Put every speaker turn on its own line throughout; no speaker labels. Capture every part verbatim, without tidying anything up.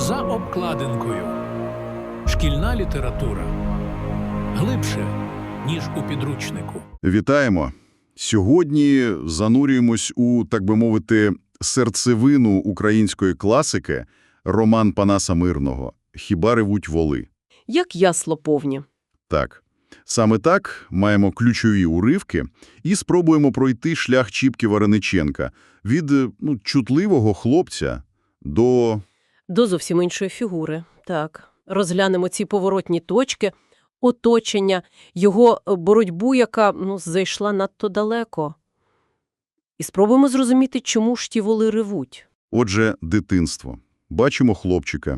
За обкладинкою. Шкільна література. Глибше, ніж у підручнику.
Вітаємо! Сьогодні занурюємось у, так би мовити, серцевину української класики роман Панаса Мирного «Хіба ревуть воли».
Як ясло повні.
Так. Саме так маємо ключові уривки і спробуємо пройти шлях Чіпки Варениченка від ну, чутливого хлопця до...
До зовсім іншої фігури. Так. Розглянемо ці поворотні точки, оточення, його боротьбу, яка ну, зайшла надто далеко. І спробуємо зрозуміти, чому ж ті воли ревуть.
Отже, дитинство. Бачимо хлопчика.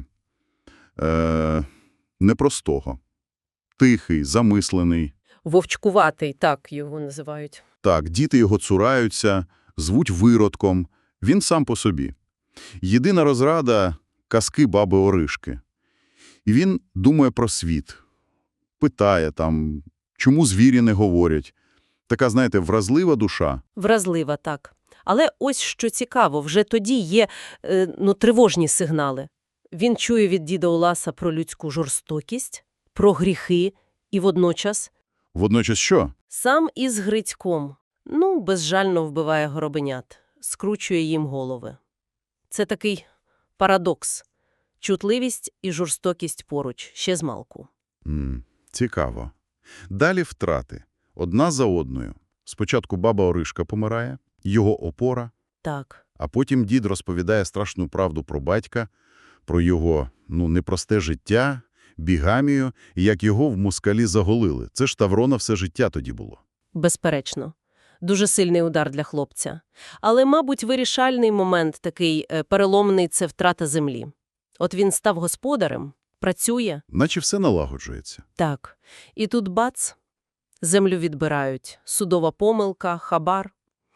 Е... непростого. Тихий, замислений.
Вовчкуватий, так його називають.
Так, діти його цураються, звуть виродком. Він сам по собі. Єдина розрада – казки баби Оришки. І він думає про світ. Питає там, чому звірі не говорять. Така, знаєте, вразлива душа.
Вразлива, так. Але ось що цікаво, вже тоді є е, ну, тривожні сигнали. Він чує від діда Уласа про людську жорстокість, про гріхи і водночас...
Водночас що?
Сам із Грицьком, ну, безжально вбиває горобенят, скручує їм голови. Це такий парадокс. Чутливість і жорстокість поруч, ще змалку.
М, цікаво. Далі втрати. Одна за одною. Спочатку баба Оришка помирає, його опора,
Так.
а потім дід розповідає страшну правду про батька, про його, ну, непросте життя, бігамію, і як його в москалі заголили. Це ж тавро на все життя тоді було.
Безперечно. Дуже сильний удар для хлопця. Але, мабуть, вирішальний момент такий е, переломний – це втрата землі. От він став господарем, працює.
Наче все налагоджується.
Так. І тут бац, землю відбирають. Судова помилка, хабар.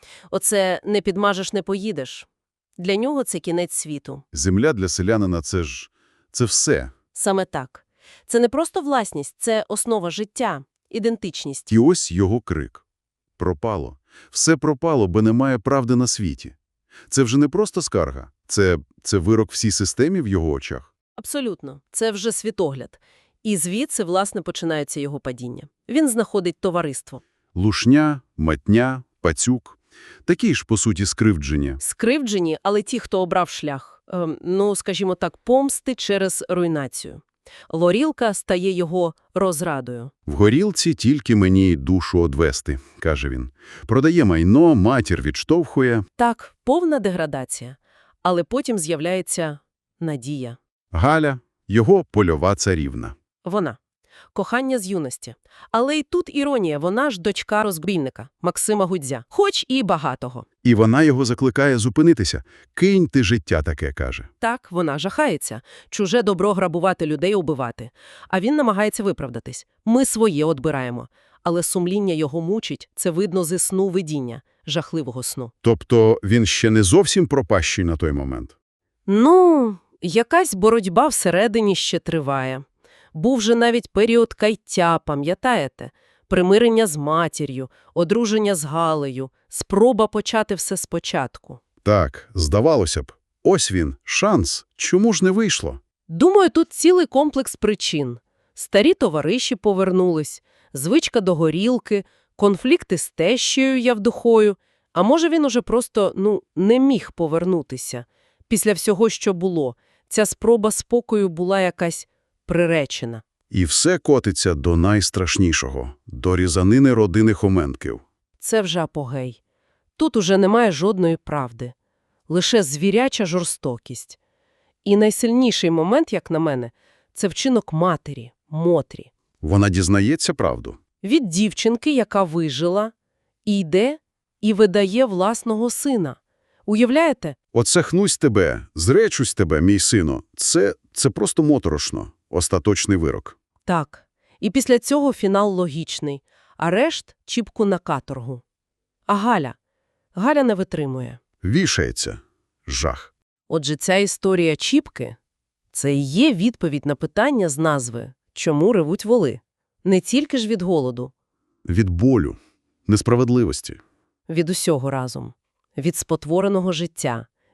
Оце не підмажеш, не поїдеш. Для нього це кінець світу.
Земля для селянина – це ж... це все.
Саме так. Це не просто власність, це основа життя, ідентичність.
І ось його крик. Пропало. Все пропало, бо немає правди на світі. Це вже не просто скарга. Це, це вирок всій системі в його очах.
Абсолютно. Це вже світогляд. І звідси, власне, починається його падіння. Він знаходить товариство.
Лушня, матня, пацюк. Такі ж, по суті, скривдження.
Скривджені, але ті, хто обрав шлях, ем, ну, скажімо так, помсти через руйнацію. Лорілка стає його розрадою.
В горілці тільки мені душу одвести, каже він. Продає майно, матір відштовхує.
Так, повна деградація. Але потім з'являється надія.
Галя – його польова царівна.
Вона. Кохання з юності. Але й тут іронія, вона ж дочка розбійника Максима Гудзя, хоч і багатого.
І вона його закликає зупинитися. «Кинь ти життя таке», каже.
Так, вона жахається. Чуже добро грабувати людей, убивати. А він намагається виправдатись. Ми своє одбираємо. Але сумління його мучить, це видно зі сну видіння, жахливого сну.
Тобто він ще не зовсім пропащий на той момент?
Ну, якась боротьба всередині ще триває. Був же навіть період каяття, пам'ятаєте? Примирення з матір'ю, одруження з Галею, спроба почати все спочатку.
Так, здавалося б. Ось він, шанс. Чому ж не вийшло?
Думаю, тут цілий комплекс причин. Старі товариші повернулись, звичка до горілки, конфлікти з тещею Явдухою. А може він уже просто, ну, не міг повернутися. Після всього, що було, ця спроба спокою була якась приречена.
І все котиться до найстрашнішого – до різанини родини Хоменків.
Це вже апогей. Тут уже немає жодної правди. Лише звіряча жорстокість. І найсильніший момент, як на мене, це вчинок матері, Мотрі.
Вона дізнається правду.
Від дівчинки, яка вижила, і йде і видає власного сина. Уявляєте?
Оце хнусь тебе, зречусь тебе, мій сино. Це, це просто моторошно. Остаточний вирок.
Так. І після цього фінал логічний. Арешт – Чіпку на каторгу. А Галя? Галя не витримує.
Вішається. Жах.
Отже, ця історія Чіпки – це і є відповідь на питання з назви «Чому ревуть воли?». Не тільки ж від голоду.
Від болю, несправедливості.
Від усього разом. Від спотвореного життя,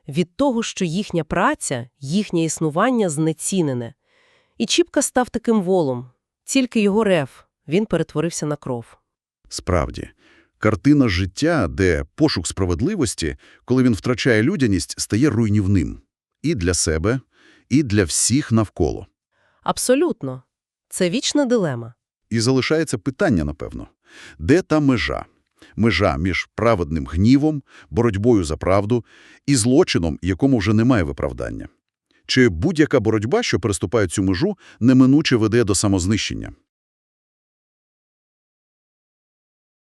від того, що їхня праця, їхнє існування знецінене. І Чіпка став таким волом. Тільки його рев, він перетворився на кров.
Справді, картина життя, де пошук справедливості, коли він втрачає людяність, стає руйнівним. І для себе, і для всіх навколо.
Абсолютно. Це вічна дилема.
І залишається питання, напевно. Де та межа? Межа між праведним гнівом, боротьбою за правду і злочином, якому вже немає виправдання. Чи будь-яка боротьба, що переступає цю межу, неминуче веде до самознищення?